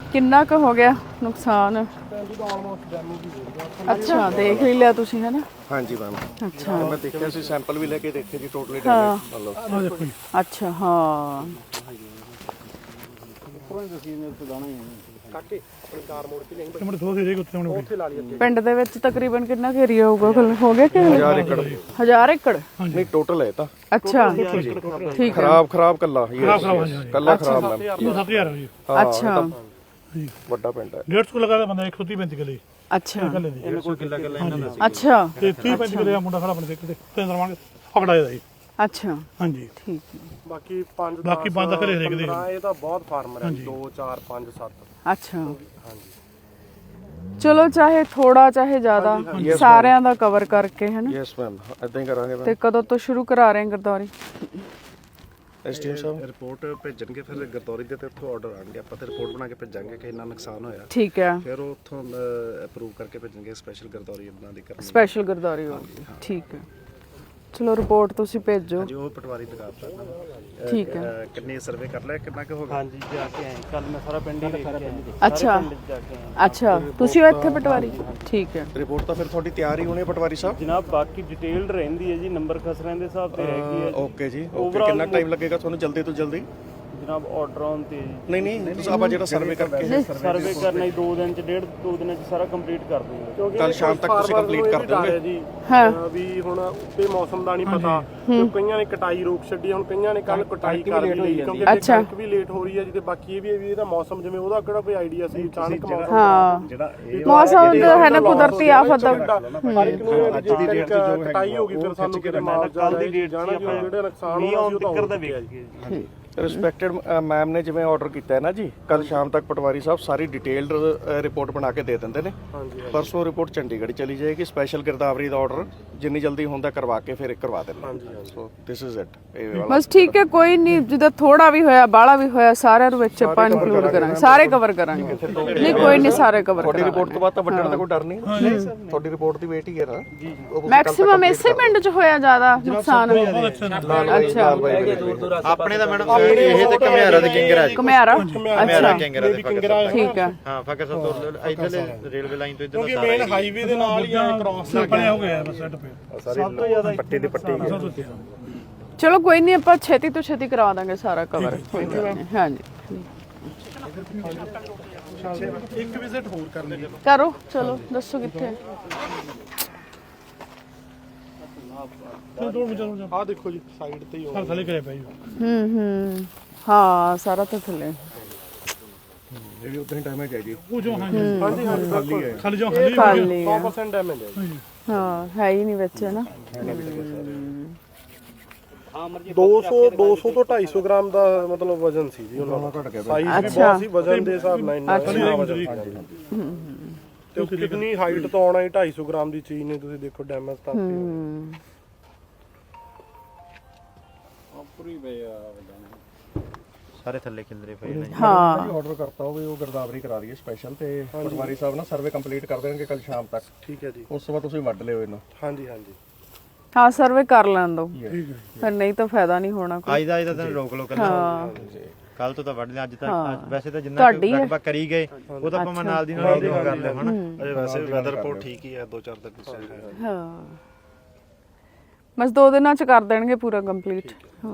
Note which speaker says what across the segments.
Speaker 1: ਕਿੰਨਾ ਕੁ ਹੋ ਗਿਆ ਨੁਕਸਾਨ? ਅੱਛਾ ਦੇਖ ਹੀ ਲਿਆ ਤੁਸੀਂ ਹੈ ਨਾ?
Speaker 2: ਹਾਂਜੀ ਮੈਮ।
Speaker 1: ਅੱਛਾ
Speaker 2: ਮੈਂ ਦੇਖਿਆ ਸੀ, ਸੈਂਪਲ ਵੀ ਲੈ ਕੇ ਦੇਖੇ ਜੀ, ਟੋਟਲੀ ਡੈਮੇਜ ਮਤਲਬ।
Speaker 1: ਅੱਛਾ ਹਾਂ ਪਿੰਡ ਦੇ ਵਿੱਚ ਤਕਰੀਬਨ ਕਿੰਨਾ ਕੁ ਏਰੀਆ ਹੋਊਗਾ? ਹੋ ਗਿਆ ਕਿ
Speaker 2: 1000 ਏਕੜ
Speaker 1: 1000 ਏਕੜ?
Speaker 2: ਨਹੀਂ ਟੋਟਲ ਹੈ ਤਾਂ।
Speaker 1: ਅੱਛਾ ਠੀਕ ਹੈ।
Speaker 2: ਖਰਾਬ ਕੱਲਾ ਕੱਲਾ ਖਰਾਬ ਮੈਮ।
Speaker 3: 7000 ਜੀ।
Speaker 1: ਅੱਛਾ
Speaker 2: ਵੱਡਾ ਪਿੰਡ ਹੈ।
Speaker 3: 150 ਲਗਾ ਬੰਦਾ 130 ਕਿੱਲੇ
Speaker 1: ਅੱਛਾ
Speaker 3: ਇਹਨੇ ਕੋਈ ਕਿੱਲਾ ਇਹਨਾਂ ਦਾ
Speaker 1: ਅੱਛਾ
Speaker 3: ਤੇ 30 ਕਿੱਲੇ ਆ ਮੁੰਡਾ ਖੜਾ ਆਪਣੇ ਤੇ ਤੇ ਪਕੜਾਇਆ ਦਾ ਜੀ।
Speaker 1: ਅੱਛਾ
Speaker 3: ਹਾਂਜੀ
Speaker 1: ਠੀਕ ਹੈ।
Speaker 2: ਬਾਕੀ 5
Speaker 3: ਦਾ ਘਰੇ ਹਰੇਕ ਦੇ
Speaker 2: ਇਹ ਤਾਂ ਬਹੁਤ ਫਾਰਮਰ ਹੈ 2 4 5 7।
Speaker 1: ਅੱਛਾ ਚਲੋ ਚਾਹੇ ਥੋੜਾ ਚਾਹੇ ਜ਼ਿਆਦਾ ਸਾਰਿਆਂ ਦਾ ਕਵਰ ਕਰਕੇ ਹੈ ਨਾ?
Speaker 2: ਯੈਸ ਮੈਮ ਇਦਾਂ ਹੀ ਕਰਾਂਗੇ ਮੈਮ।
Speaker 1: ਤੇ ਕਦੋਂ ਤੋਂ ਸ਼ੁਰੂ ਕਰਾ ਰਹੇ ਗਰਦੌਰੀ?
Speaker 2: ਐਸਟੀਐਮ ਸਾਹਿਬ ਰਿਪੋਰਟ ਭੇਜਣਗੇ, ਫਿਰ ਗਰਦੌਰੀ ਦੇ ਤੇ ਉੱਥੋਂ ਆਰਡਰ ਆਣਗੇ, ਆਪਾਂ ਤੇ ਰਿਪੋਰਟ ਬਣਾ ਕੇ ਭੇਜਾਂਗੇ ਕਿ ਇੰਨਾ ਨੁਕਸਾਨ ਹੋਇਆ।
Speaker 1: ਠੀਕ ਹੈ
Speaker 2: ਫਿਰ ਉਹ ਉੱਥੋਂ ਅਪਰੂਵ ਕਰਕੇ ਭੇਜਣਗੇ ਸਪੈਸ਼ਲ ਗਰਦੌਰੀ ਉਹਨਾਂ ਦੀ ਕਰਨੀ।
Speaker 1: ਸਪੈਸ਼ਲ ਗਰਦੌਰੀ ਹੋਊਗੀ ਠੀਕ ਹੈ। ਚਲੋ ਰਿਪੋਰਟ ਤੁਸੀਂ ਭੇਜੋ।
Speaker 2: ਜੀ ਉਹ ਪਟਵਾਰੀ ਦਿਖਾਤਾ।
Speaker 1: ਠੀਕ ਹੈ।
Speaker 2: ਕਿੰਨੇ ਸਰਵੇ ਕਰ ਲਿਆ, ਕਿੰਨਾ ਕੁ ਹੋ ਗਿਆ?
Speaker 4: ਹਾਂਜੀ ਜਾ ਕੇ ਆਏ ਕੱਲ ਮੈਂ ਸਾਰਾ ਪਿੰਡ ਹੀ ਦੇਖ ਕੇ ਆਇਆ।
Speaker 1: ਅੱਛਾ ਅੱਛਾ ਤੁਸੀਂ ਹੋ ਇੱਥੇ ਪਟਵਾਰੀ? ਠੀਕ ਹੈ।
Speaker 2: ਰਿਪੋਰਟ ਤਾਂ ਫਿਰ ਤੁਹਾਡੀ ਤਿਆਰ ਹੀ ਹੋਣੀ ਪਟਵਾਰੀ ਸਾਹਿਬ?
Speaker 4: ਜਨਾਬ ਬਾਕੀ ਡਿਟੇਲਡ ਰਹਿੰਦੀ ਹੈ ਜੀ, ਨੰਬਰ ਖਸਰਿਆਂ ਦੇ ਹਿਸਾਬ ਤੇ ਹੈਗੀ ਹੈ।
Speaker 2: ਓਕੇ ਜੀ ਓਕੇ। ਕਿੰਨਾ ਟਾਈਮ ਲੱਗੇਗਾ ਤੁਹਾਨੂੰ ਜਲਦੀ ਤੋਂ ਜਲਦੀ?
Speaker 4: ਜਨਾਬ ਆਰਡਰ ਆਨ ਤੇ ਜੀ।
Speaker 2: ਨਹੀਂ ਤੁਸੀਂ ਆਪਾਂ ਜਿਹੜਾ ਸਰਵੇ ਕਰਕੇ
Speaker 4: ਸਰਵੇ ਕਰਨਾ ਹੀ 2 ਦਿਨ ਚ 2 ਦਿਨਾਂ ਚ ਸਾਰਾ ਕੰਪਲੀਟ ਕਰ ਦੂੰਗਾ।
Speaker 2: ਕੱਲ ਸ਼ਾਮ ਤੱਕ ਤੁਸੀਂ ਕੰਪਲੀਟ ਕਰ ਦੋਗੇ
Speaker 5: ਜੀ।
Speaker 1: ਹਾਂ
Speaker 5: ਵੀ ਹੁਣ ਉੱਤੇ ਮੌਸਮ ਦਾ ਨਹੀਂ ਪਤਾ, ਕਈਆਂ ਨੇ ਕਟਾਈ ਰੋਕ ਛੱਡੀ, ਹੁਣ ਕਈਆਂ ਨੇ ਕੱਲ ਕਟਾਈ ਕਰ ਲਈ ਕਿਉਂਕਿ ਕਣਕ ਵੀ ਲੇਟ ਹੋ ਰਹੀ ਹੈ ਜੀ। ਤੇ ਬਾਕੀ ਇਹ ਵੀ ਇਹਦਾ ਮੌਸਮ ਜਿਵੇਂ ਉਹਦਾ ਕਿਹੜਾ ਕੋਈ ਆਈਡੀਆ ਸੀ, ਅਚਾਨਕ ਮੌਸਮ
Speaker 1: ਹਾਂ
Speaker 2: ਜਿਹੜਾ
Speaker 1: ਮੌਸਮ ਦਾ ਹੈ ਨਾ ਕੁਦਰਤੀ ਆਫਤ ਦਾ।
Speaker 5: ਹਰ ਇੱਕ ਨੂੰ ਅੱਜ ਦੀ ਡੇਟ ਚ ਕਟਾਈ ਹੋ ਗਈ, ਫਿਰ ਸਾਨੂੰ ਕਿਤੇ ਮਾਲ
Speaker 4: ਕੱਲ ਦੀ ਡੇਟ
Speaker 5: ਜਾਣਾ ਜਿਹੜਾ ਨੁਕਸਾਨ ਹੋਇਆ ਉਹ ਤਾਂ
Speaker 4: ਦਾ ਵੇਖ ਜੀ।
Speaker 2: ਰਿਸਪੈਕਟਡ ਮੈਮ ਨੇ ਜਿਵੇਂ ਆਰਡਰ ਕੀਤਾ ਹੈ ਨਾ ਜੀ, ਕੱਲ ਸ਼ਾਮ ਤੱਕ ਪਟਵਾਰੀ ਸਾਹਿਬ ਸਾਰੀ ਡਿਟੇਲਡ ਰਿਪੋਰਟ ਬਣਾ ਕੇ ਦੇ ਦਿੰਦੇ ਨੇ। ਪਰਸੋਂ ਰਿਪੋਰਟ ਚੰਡੀਗੜ੍ਹ ਚਲੀ ਜਾਏਗੀ। ਸਪੈਸ਼ਲ ਗਿਰਦਾਵਰੀ ਦਾ ਆਰਡਰ ਜਿੰਨੀ ਜਲਦੀ ਹੁੰਦਾ ਕਰਵਾ ਕੇ ਫਿਰ ਕਰਵਾ ਦੇਣਾ। ਸੋ ਦਿਸ ਇਜ਼ ਇਟ।
Speaker 1: ਬਸ ਠੀਕ ਹੈ ਕੋਈ ਨਹੀਂ, ਜਿੱਦਾਂ ਥੋੜਾ ਵੀ ਹੋਇਆ ਬਾਹਲਾ ਵੀ ਹੋਇਆ ਸਾਰਿਆਂ ਨੂੰ ਵਿੱਚ ਆਪਾਂ ਇਨਕਲੂਡ ਕਰਾਂਗੇ, ਸਾਰੇ ਕਵਰ ਕਰਾਂਗੇ। ਨਹੀਂ ਕੋਈ ਨਹੀਂ ਸਾਰੇ ਕਵਰ
Speaker 2: ਤੁਹਾਡੀ
Speaker 1: ਕਰਾਂਗੇ।
Speaker 2: ਰਿਪੋਰਟ ਤੋਂ ਬਾਅਦ ਤਾਂ ਵੱਡਣ ਦਾ ਕੋਈ ਡਰ ਨਹੀਂ। ਤੁਹਾਡੀ ਰਿਪੋਰਟ ਦੀ ਵੇਟ ਹੀ ਹੈ ਨਾ।
Speaker 1: ਮੈਕਸਿਮਮ ਇਸੇ ਪਿੰਡ 'ਚ ਹੋਇਆ ਜ਼ਿਆਦਾ ਨੁਕਸਾਨ? ਅੱਛਾ
Speaker 6: ਆਪਣੇ ਦਾ ਮੈਡਮ ਇਹ ਤੇ ਘਮਿਆਰਾ ਦੇ ਕਿੰਗਰਾਜ
Speaker 1: ਘਮਿਆਰਾ
Speaker 6: ਘਮਿਆਰਾ ਕਿੰਗਰਾ ਦੇ
Speaker 1: ਠੀਕ ਹੈ।
Speaker 6: ਹਾਂ ਫਕਰ ਤੋਂ ਇਧਰਲੇ ਰੇਲਵੇ ਲਾਈਨ ਤੋਂ ਇਧਰ
Speaker 5: ਕਿਉਂਕਿ ਮੇਨ ਹਾਈਵੇ ਦੇ ਨਾਲ ਹੀ ਆ ਕ੍ਰਾਸ
Speaker 3: ਬਣਿਆ ਹੋ ਗਿਆ ਬਸ ਸੈੱਟ ਪੇ
Speaker 5: ਸਭ ਤੋਂ ਜ਼ਿਆਦਾ
Speaker 2: ਪੱਟੀ ਦੀ ਪੱਟੀ।
Speaker 1: ਚਲੋ ਕੋਈ ਨਹੀਂ ਆਪਾਂ ਛੇਤੀ ਤੋਂ ਛੇਤੀ ਕਰਵਾ ਦਾਂਗੇ ਸਾਰਾ ਕਵਰ। ਹਾਂਜੀ
Speaker 5: ਇੱਕ ਵਿਜ਼ਿਟ ਹੋਰ ਕਰਨੀ ਹੈ।
Speaker 1: ਕਰੋ ਚਲੋ ਦੱਸੋ ਕਿੱਥੇ?
Speaker 5: ਆਹ ਦੇਖੋ ਜੀ ਸਾਈਡ ਤੇ ਹੀ ਹੋ
Speaker 3: ਥੱਲੇ ਕਰਿਆ ਪਿਆ ਜੀ।
Speaker 1: ਹਾਂ ਸਾਰਾ ਤਾਂ ਥੱਲੇ
Speaker 2: ਜਿਹੜੀ ਉਦਾਂ ਹੀ ਡੈਮੇਜ ਹੈ ਜੀ।
Speaker 3: ਉਹ ਜੋ
Speaker 5: ਹਾਂਜੀ
Speaker 3: ਖਾਲੀ ਜੋ ਖਾਲੀ
Speaker 1: ਖਾਲੀ ਆ।
Speaker 5: 100% ਡੈਮੇਜ ਹੈ ਜੀ।
Speaker 1: ਹਾਂ ਹੈ ਹੀ ਨਹੀਂ ਵਿੱਚ ਹੈ ਨਾ।
Speaker 5: 200 ਤੋਂ 250 ਗ੍ਰਾਮ ਦਾ ਮਤਲਬ ਵਜ਼ਨ ਸੀ ਜੀ ਉਹਨਾਂ ਦਾ। ਸਾਈਜ਼ ਵੀ ਬਹੁਤ ਸੀ, ਵਜ਼ਨ ਦੇ ਹਿਸਾਬ ਨਾਲ ਇੰਨਾ ਵਜ਼ਨ ਸੀ। ਤੇ ਕਿੰਨੀ ਹਾਈਟ ਤੋਂ ਆਉਣਾ ਹੀ 250 ਗ੍ਰਾਮ ਦੀ ਚੀਜ਼ ਨੇ, ਤੁਸੀਂ ਦੇਖੋ ਡੈਮੇਜ ਤਾਂ
Speaker 6: ਸਾਰੇ ਥੱਲੇ ਖਿਲਰੇ ਪਏ ਨੇ।
Speaker 1: ਹਾਂ
Speaker 2: ਆਰਡਰ ਕਰਤਾ ਹੋਵੇ ਉਹ ਗਿਰਦਾਵਰੀ ਕਰਾ ਦਈਏ ਸਪੈਸ਼ਲ, ਤੇ ਪਟਵਾਰੀ ਸਾਹਿਬ ਨਾ ਸਰਵੇ ਕੰਪਲੀਟ ਕਰ ਦੇਣਗੇ ਕੱਲ ਸ਼ਾਮ ਤੱਕ।
Speaker 5: ਠੀਕ ਹੈ ਜੀ।
Speaker 2: ਉਸ ਤੋਂ ਬਾਅਦ ਤੁਸੀਂ ਵੱਢ ਲਿਓ ਇਹਨੂੰ।
Speaker 5: ਹਾਂਜੀ ਹਾਂਜੀ
Speaker 1: ਹਾਂ ਸਰਵੇ ਕਰ ਲੈਣ ਦੋ, ਫਿਰ ਨਹੀਂ ਤਾਂ ਫਾਇਦਾ ਨਹੀਂ ਹੋਣਾ ਕੋਈ।
Speaker 6: ਅੱਜ ਦਾ ਦਿਨ ਰੋਕ ਲੋ ਕੱਲ ਤੋਂ ਤਾਂ ਵੱਢ ਲਿਆ। ਅੱਜ ਤਾਂ ਵੈਸੇ ਤਾਂ ਜਿੰਨਾ ਲਗਭਗ ਕਰੀ ਗਏ ਉਹ ਤਾਂ ਆਪਾਂ ਨਾਲ ਦੀ ਨਾਲ ਕਰ ਲਿਆ ਹਨਾ।
Speaker 2: ਅਜੇ ਵੈਸੇ ਵੈਦਰ ਰਿਪੋਰਟ ਠੀਕ ਹੀ ਹੈ, 2-4 ਦਿਨ ਪਿੱਛੇ।
Speaker 1: ਹਾਂ ਬਸ 2 ਦਿਨਾਂ ਚ ਕਰ ਦੇਣਗੇ ਪੂਰਾ ਕੰਪਲੀਟ। ਹਾਂ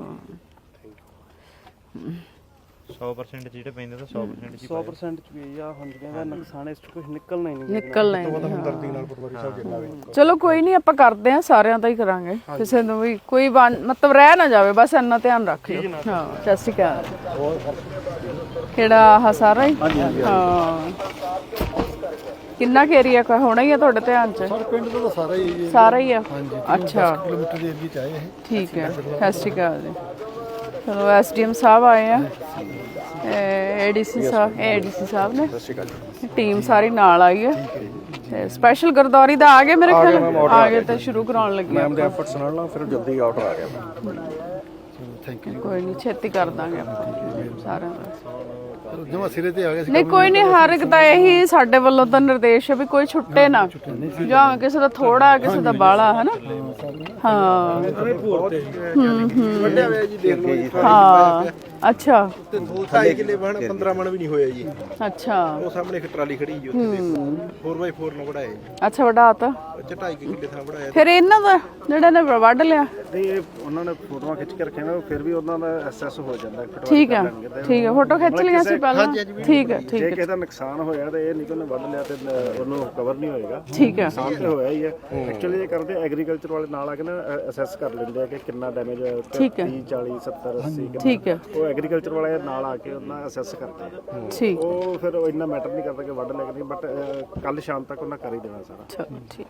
Speaker 6: 100% ਜਿਹੜੇ ਪੈਂਦੇ ਤਾਂ 100% ਚ
Speaker 4: 100% ਚ ਵੀ ਆ ਹੁਣ ਕਹਿੰਦਾ ਨੁਕਸਾਨ ਇਸ ਚ ਕੁਝ ਨਿਕਲਣਾ ਹੀ ਨਹੀਂ।
Speaker 1: ਨਿਕਲਣਾ ਹੀ ਨਹੀਂ।
Speaker 2: ਹਮਦਰਦੀ ਨਾਲ ਪਟਵਾਰੀ ਸਾਹਿਬ ਜਿੰਨਾ ਵੀ।
Speaker 1: ਚਲੋ ਕੋਈ ਨਹੀਂ ਆਪਾਂ ਕਰਦੇ ਆ, ਸਾਰਿਆਂ ਦਾ ਹੀ ਕਰਾਂਗੇ, ਕਿਸੇ ਨੂੰ ਵੀ ਕੋਈ ਮਤਲਬ ਰਹਿ ਨਾ ਜਾਵੇ, ਬਸ ਇੰਨਾ ਧਿਆਨ ਰੱਖ ਲਿਓ। ਹਾਂ ਸਤਿ ਸ਼੍ਰੀ ਅਕਾਲ। ਕਿਹੜਾ ਆਹ ਸਾਰਾ ਹੀ? ਹਾਂ ਕਿੰਨਾ ਕੁ ਏਰੀਆ ਹੋਣਾ ਹੀ ਆ ਤੁਹਾਡੇ ਧਿਆਨ ਚ?
Speaker 5: ਪਿੰਡ ਦਾ ਸਾਰਾ ਹੀ
Speaker 1: ਸਾਰਾ ਹੀ ਆ। ਅੱਛਾ
Speaker 5: ਕਿਲੋਮੀਟਰ ਦੇ ਏਰੀਆ ਚ ਆਏ ਇਹ।
Speaker 1: ਠੀਕ ਹੈ ਸਤਿ ਸ਼੍ਰੀ ਅਕਾਲ ਜੀ। ਚਲੋ ਐਸਡੀਐਮ ਸਾਹਿਬ ਆਏ ਆ, ਏਡੀਸੀ ਸਾਹਿਬ ਨੇ, ਟੀਮ ਸਾਰੀ ਨਾਲ ਆਈ ਹੈ। ਤੇ ਸਪੈਸ਼ਲ ਗਰਦੌਰੀ ਦਾ ਆ ਗਏ ਮੇਰੇ ਖਿਆਲ, ਆ ਗਏ ਤੇ ਸ਼ੁਰੂ ਕਰਾਉਣ ਲੱਗੇ
Speaker 2: ਮੈਮ ਦੇ ਐਫਰਟਸ ਨਾਲ ਨਾ ਫਿਰ ਜਲਦੀ ਆਰਡਰ ਆ ਗਿਆ।
Speaker 5: Thank you.
Speaker 1: ਕੋਈ ਨਹੀਂ ਛੇਤੀ ਕਰ ਦਾਂਗੇ ਆਪਾਂ ਸਾਰਿਆਂ ਦਾ।
Speaker 5: ਜਮਾ ਸਿਰੇ ਤੇ ਆ ਗਿਆ ਸੀ।
Speaker 1: ਨਹੀਂ ਕੋਈ ਨਹੀਂ, ਹਰ ਇੱਕ ਦਾ ਇਹੀ ਸਾਡੇ ਵੱਲੋਂ ਤਾਂ ਨਿਰਦੇਸ਼ ਹੈ ਵੀ ਕੋਈ ਛੁੱਟੇ ਨਾ, ਜਾਂ ਕਿਸੇ ਦਾ ਥੋੜਾ ਕਿਸੇ ਦਾ ਬਾਹਲਾ ਹੈ ਨਾ। ਹਾਂ
Speaker 5: ਵੱਡਿਆ ਹੋਇਆ ਜੀ, ਦੇਖ ਲਓ ਜੀ।
Speaker 1: ਹਾਂ ਅੱਛਾ
Speaker 7: ਤੇ 2.5 ਕਿੱਲੇ ਬਣ 15 ਮਣ ਵੀ ਨਹੀਂ ਹੋਇਆ ਜੀ।
Speaker 1: ਅੱਛਾ
Speaker 7: ਉਹ ਸਾਹਮਣੇ ਇੱਕ ਟਰਾਲੀ ਖੜੀ ਜੀ ਉੱਥੇ ਦੇਖੋ 4x4 ਨਾਲ ਵੜਾਇਆ ਜੀ।
Speaker 1: ਅੱਛਾ ਵਡਾਤਾ।
Speaker 7: 2.5 ਕਿੱਲੇ ਥਾਂ ਵੜਾਇਆ।
Speaker 1: ਫਿਰ ਇਹਨਾਂ ਦਾ ਜਿਹੜਾ ਨੇ ਵੱਢ ਲਿਆ
Speaker 2: ਨਹੀਂ ਇਹ ਉਹਨਾਂ ਨੇ ਫੋਟੋਆਂ ਖਿੱਚ ਕੇ ਰੱਖੀਆਂ ਨੇ, ਫਿਰ ਵੀ ਉਹਨਾਂ ਦਾ ਐਸਐਸ ਹੋ ਜਾਂਦਾ ਹੈ।
Speaker 1: ਠੀਕ ਹੈ ਠੀਕ ਹੈ ਫੋਟੋ ਖਿੱਚ ਲਈਆਂ ਸੀ ਪਹਿਲਾਂ ਠੀਕ ਹੈ ਠੀਕ
Speaker 2: ਜੇ
Speaker 1: ਹੈ
Speaker 2: ਕਿਸੇ ਦਾ ਨੁਕਸਾਨ ਹੋਇਆ ਤੇ ਇਹ ਨਹੀਂ ਕਿ ਉਹਨੇ ਵੱਢ ਲਿਆ ਤੇ ਉਹਨੂੰ ਕਵਰ ਨਹੀਂ ਹੋਏਗਾ।
Speaker 1: ਠੀਕ ਹੈ
Speaker 2: ਨੁਕਸਾਨ ਤੇ ਹੋਇਆ ਹੀ ਹੈ। ਐਕਚੁਅਲੀ ਇਹ ਕਰਦੇ ਐਗਰੀਕਲਚਰ ਵਾਲੇ ਨਾਲ ਆ ਕੇ ਨਾ ਅਸੈਸ ਕਰ ਲੈਂਦੇ ਆ ਕਿ ਕਿੰਨਾ ਡੈਮੇਜ ਹੋਇਆ, 30 40 70 80
Speaker 1: ਠੀਕ ਹੈ
Speaker 2: ਉਹ ਐਗਰੀਕਲਚਰ ਵਾਲੇ ਨਾਲ ਆ ਕੇ ਉਹਨਾਂ ਅਸੈਸ ਕਰਦੇ ਆ।
Speaker 1: ਠੀਕ
Speaker 2: ਉਹ ਫਿਰ ਉਹ ਇੰਨਾ ਮੈਟਰ ਨਹੀਂ ਕਰਦਾ ਕਿ ਵੱਢ ਲਿਆ ਕਿ ਨਹੀਂ, ਬਟ ਕੱਲ ਸ਼ਾਮ ਤੱਕ ਉਹਨਾਂ ਕਰ ਹੀ ਦੇਣਾ ਸਾਰਾ।
Speaker 1: ਚਲੋ ਠੀਕ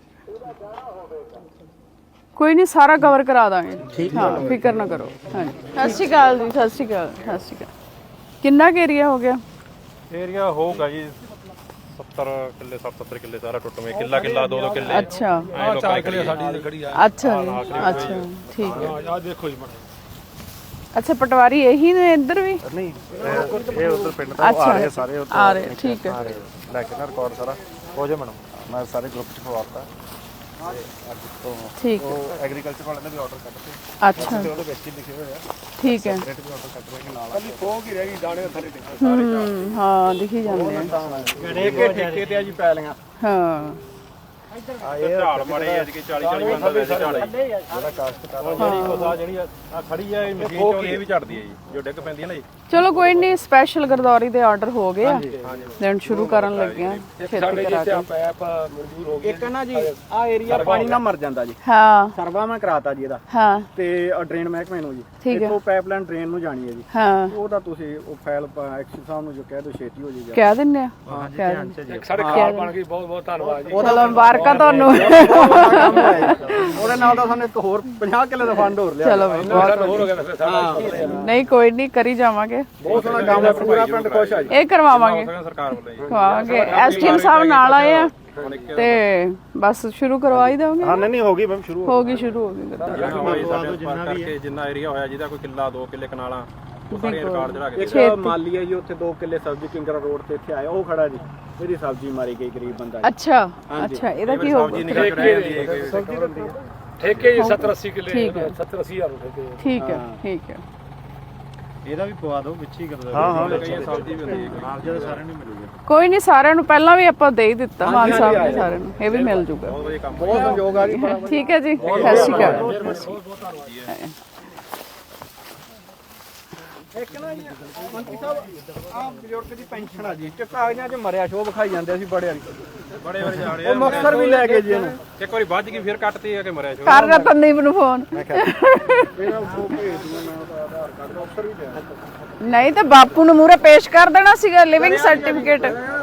Speaker 1: ਕੋਈ ਨਹੀਂ ਸਾਰਾ ਕਵਰ ਕਰਾ ਦਾਂਗੇ ਹਾਂ ਫਿਕਰ ਨਾ ਕਰੋ। ਹਾਂਜੀ ਸਤਿ ਸ਼੍ਰੀ ਅਕਾਲ ਜੀ ਸਤਿ ਸ਼੍ਰੀ ਅਕਾਲ ਸਤਿ ਸ਼੍ਰੀ ਅਕਾਲ। ਕਿੰਨਾ ਕੁ ਏਰੀਆ ਹੋ ਗਿਆ?
Speaker 8: ਏਰੀਆ ਹੋਊਗਾ ਜੀ 70 ਕਿੱਲੇ 70 ਕਿੱਲੇ ਸਾਰਾ ਟੁੱਟਵੇਂ ਕਿੱਲਾ 2 ਕਿੱਲੇ।
Speaker 1: ਅੱਛਾ
Speaker 3: 4 ਕਿੱਲੇ ਸਾਡੀ ਖੜੀ ਆ।
Speaker 1: ਅੱਛਾ ਜੀ ਅੱਛਾ ਠੀਕ ਹੈ।
Speaker 3: ਆ ਦੇਖੋ ਜੀ ਮਾੜਾ
Speaker 1: ਅੱਛਾ ਪਟਵਾਰੀ ਇਹੀ ਨੇ ਇੱਧਰ ਵੀ?
Speaker 2: ਨਹੀਂ ਇਹ ਉਧਰ ਪਿੰਡ ਤੋਂ ਆ ਰਹੇ ਸਾਰੇ ਉੱਧਰ
Speaker 1: ਆ ਰਹੇ ਠੀਕ ਹੈ
Speaker 2: ਲੈ ਕੇ ਨਾ ਰਿਕਾਰਡ ਸਾਰਾ ਹੋ ਜਾ ਮੈਡਮ। ਮੈਂ ਸਾਰੇ ਗਰੁੱਪ ਚ ਪਵਾਤਾ ਅੱਜ ਤੋਂ।
Speaker 1: ਠੀਕ ਹੈ
Speaker 2: ਉਹ ਐਗਰੀਕਲਚਰ ਵਾਲਿਆਂ ਨੇ ਵੀ ਆਰਡਰ ਕੱਢਤੇ
Speaker 1: ਅੱਛਾ
Speaker 2: ਤੇ ਉਹਦੇ ਵਿੱਚ ਹੀ ਲਿਖੇ ਹੋਏ ਆ
Speaker 1: ਠੀਕ ਹੈ
Speaker 2: ਰੇਟ ਵੀ ਆਰਡਰ ਕੱਢ ਰਹੇ ਨਾਲ। ਕੱਲੀ ਫੋਕ ਹੀ ਰਹਿ ਗਈ ਦਾਣੇ ਥੱਲੇ ਟਿੱਕੇ
Speaker 1: ਹਾਂ ਦਿਖੀ ਜਾਂਦੇ ਆ
Speaker 7: ਠੇਕੇ ਠੇਕੇ ਤੇ ਆ ਜੀ ਪੈ ਲੀਆਂ।
Speaker 1: ਹਾਂ
Speaker 8: ਝਾੜ ਮਾਰੇ ਅੱਜ ਕੇ 40 40 ਬੰਦਾ ਲੈ ਝਾੜ
Speaker 2: ਜਿਹੜਾ ਕਾਸ਼ਤ ਕਰ
Speaker 8: ਜਿਹੜੀ ਆ ਖੜੀ ਆ ਇਹ ਮਸ਼ੀਨ ਚੋਂ ਇਹ ਵੀ ਝੜਦੀ ਹੈ ਜੀ ਜੋ ਡਿੱਗ ਪੈਂਦੀ ਹੈ ਨਾ ਜੀ।
Speaker 1: ਚਲੋ ਕੋਈ ਨਹੀਂ ਸਪੈਸ਼ਲ ਗਰਦੌਰੀ ਦੇ ਆਰਡਰ ਹੋ ਗਏ ਆ ਦੇਣ ਸ਼ੁਰੂ ਕਰਨ ਲੱਗੇ ਆ ਛੇਤੀ ਕਰਾ ਕੇ।
Speaker 7: ਪੈਪ ਮਨਜ਼ੂਰ ਹੋ ਗਿਆ। ਇੱਕ ਨਾ ਜੀ ਆ ਏਰੀਆ ਪਾਣੀ ਨਾਲ ਮਰ ਜਾਂਦਾ ਜੀ।
Speaker 1: ਹਾਂ
Speaker 7: ਸਰਵਾ ਮੈਂ ਕਰਾਤਾ ਜੀ ਇਹਦਾ
Speaker 1: ਹਾਂ
Speaker 7: ਤੇ ਡਰੇਨ ਮਹਿਕਮੇ ਨੂੰ ਜੀ।
Speaker 1: ਠੀਕ ਹੈ
Speaker 7: ਇੱਥੋਂ ਪਾਈਪਲਾਈਨ ਡਰੇਨ ਨੂੰ ਜਾਣੀ ਹੈ ਜੀ।
Speaker 1: ਹਾਂ
Speaker 7: ਉਹਦਾ ਤੁਸੀਂ ਉਹ ਫਾਈਲ ਐਕਸ਼ਨ ਸਾਹਿਬ ਨੂੰ ਜੋ ਕਹਿ ਦਿਓ ਛੇਤੀ ਹੋ ਜਾਏਗਾ।
Speaker 1: ਕਹਿ ਦਿੰਨੇ ਆ ਕਹਿ ਦਿੰਦੇ
Speaker 3: ਸਾਡੇ ਖਾਲ ਬਣ ਗਈ ਬਹੁਤ ਬਹੁਤ ਧੰਨਵਾਦ ਜੀ।
Speaker 1: ਚਲੋ ਮੁਬਾਰਕਾਂ ਤੁਹਾਨੂੰ।
Speaker 7: ਉਹਦੇ ਨਾਲ ਦਾ ਸਾਨੂੰ ਇੱਕ ਹੋਰ 50 ਕਿੱਲੇ ਦਾ ਫੰਡ ਹੋਰ ਲਿਆ।
Speaker 1: ਚਲੋ
Speaker 3: ਹੋਰ ਹੋ ਗਿਆ ਫਿਰ ਸਾਡਾ
Speaker 1: ਨਹੀਂ ਕੋਈ ਨਹੀਂ ਕਰੀ ਜਾਵਾਂਗੇ
Speaker 7: ਬਹੁਤ ਸੋਹਣਾ ਕੰਮ ਹੈ। ਪੂਰਾ ਪਿੰਡ ਖੁਸ਼ ਆ ਜੀ।
Speaker 1: ਇਹ ਕਰਵਾਵਾਂਗੇ
Speaker 8: ਸਰਕਾਰ ਵੱਲੋਂ ਜੀ।
Speaker 1: ਕਰਵਾਵਾਂਗੇ ਐਸਟੀਐਮ ਸਾਹਿਬ ਨਾਲ ਆਏ ਆ ਤੇ ਬਸ ਸ਼ੁਰੂ ਕਰਵਾ ਹੀ ਦੇਵਾਂਗੇ।
Speaker 2: ਹਾਂ ਨਹੀਂ ਹੋ ਗਈ ਮੈਮ ਸ਼ੁਰੂ
Speaker 1: ਹੋ ਗਈ ਸ਼ੁਰੂ ਹੋ ਗਈ ਗਰਦੌਰੀ।
Speaker 8: ਕਰਕੇ ਜਿੰਨਾ ਏਰੀਆ ਹੋਇਆ ਜਿਹਦਾ ਕੋਈ ਕਿੱਲਾ 2 ਕਿੱਲੇ ਕਨਾਲਾਂ ਉਹ ਸਾਰੇ ਰਿਕਾਰਡ ਚੜਾ ਕੇ
Speaker 7: ਇੱਕ ਮਾਲੀ ਹੈ ਜੀ ਉੱਥੇ 2 ਕਿੱਲੇ ਸਬਜ਼ੀ ਕਿੰਗਰਾ ਰੋਡ ਤੇ ਇੱਥੇ ਆਇਆ ਉਹ ਖੜਾ ਜੀ। ਇਹਦੀ ਸਬਜ਼ੀ ਮਾਰੀ ਗਈ ਗਰੀਬ ਬੰਦਾ ਜੀ।
Speaker 1: ਅੱਛਾ ਅੱਛਾ ਇਹਦਾ ਕੀ ਹੋਊਗਾ?
Speaker 3: ਠੇਕੇ ਜੀ 70 80 ਕਿੱਲੇ
Speaker 1: ਠੀਕ ਹੈ
Speaker 3: 70 80 ਹਜ਼ਾਰ ਠੇਕੇ।
Speaker 1: ਠੀਕ ਹੈ ਠੀਕ ਹੈ
Speaker 6: ਇਹਦਾ ਵੀ ਪਵਾ ਦਿਓ ਵਿੱਚ ਹੀ ਕਰ
Speaker 2: ਹਾਂ
Speaker 8: ਕਈ ਸਬਜ਼ੀ ਵੀ ਹੁੰਦੀ ਹੈ
Speaker 6: ਨਾਲ ਜਿਹੜੇ ਸਾਰਿਆਂ ਨੂੰ ਮਿਲੂਗਾ।
Speaker 1: ਕੋਈ ਨਹੀਂ ਸਾਰਿਆਂ ਨੂੰ ਪਹਿਲਾਂ ਵੀ ਆਪਾਂ ਦੇ ਹੀ ਦਿੱਤਾ ਮਾਨ ਸਾਹਿਬ ਨੇ ਸਾਰਿਆਂ ਨੂੰ ਇਹ ਵੀ ਮਿਲ ਜੂਗਾ।
Speaker 7: ਬਹੁਤ ਸੰਯੋਗ ਆ ਜੀ।
Speaker 1: ਠੀਕ ਹੈ ਜੀ ਸਤਿ ਸ਼੍ਰੀ ਅਕਾਲ।
Speaker 7: ਇੱਕ ਨਾ ਜੀ ਮੰਤਰੀ ਸਾਹਿਬ ਆਹ ਬਜ਼ੁਰਗ ਦੀ ਪੈਨਸ਼ਨ ਆ ਜੀ ਤੇ ਕਾਗਜ਼ਾਂ 'ਚ ਮਰਿਆ ਸ਼ੋਅ ਵਿਖਾਈ ਜਾਂਦੇ ਸੀ ਬੜੇ
Speaker 8: ਬੜੇ ਜਾਣੇ
Speaker 7: ਉਹ ਮੁਕਤਸਰ ਵੀ ਲੈ ਕੇ ਜੀ ਇਹਨੂੰ।
Speaker 8: ਇੱਕ ਵਾਰੀ ਵੱਜ ਗਈ ਫਿਰ ਕੱਟਤੀ ਆ ਕਿ ਮਰਿਆ ਛੋ
Speaker 1: ਕਰ ਰਤਨਦੀਪ ਨੂੰ ਫੋਨ।
Speaker 7: ਇਹਦਾ ਉਹ ਭੇਜ ਦੂੰਗਾ ਮੈਂ ਉਹਦਾ ਆਧਾਰ ਕਾਰਡ ਮੁਕਤਸਰ ਵੀ ਲਿਆ।
Speaker 1: ਨਹੀਂ ਤਾਂ ਬਾਪੂ ਨੂੰ ਮੂਹਰੇ ਪੇਸ਼ ਕਰ ਦੇਣਾ ਸੀਗਾ ਲਿਵਿੰਗ ਸਰਟੀਫਿਕੇਟ।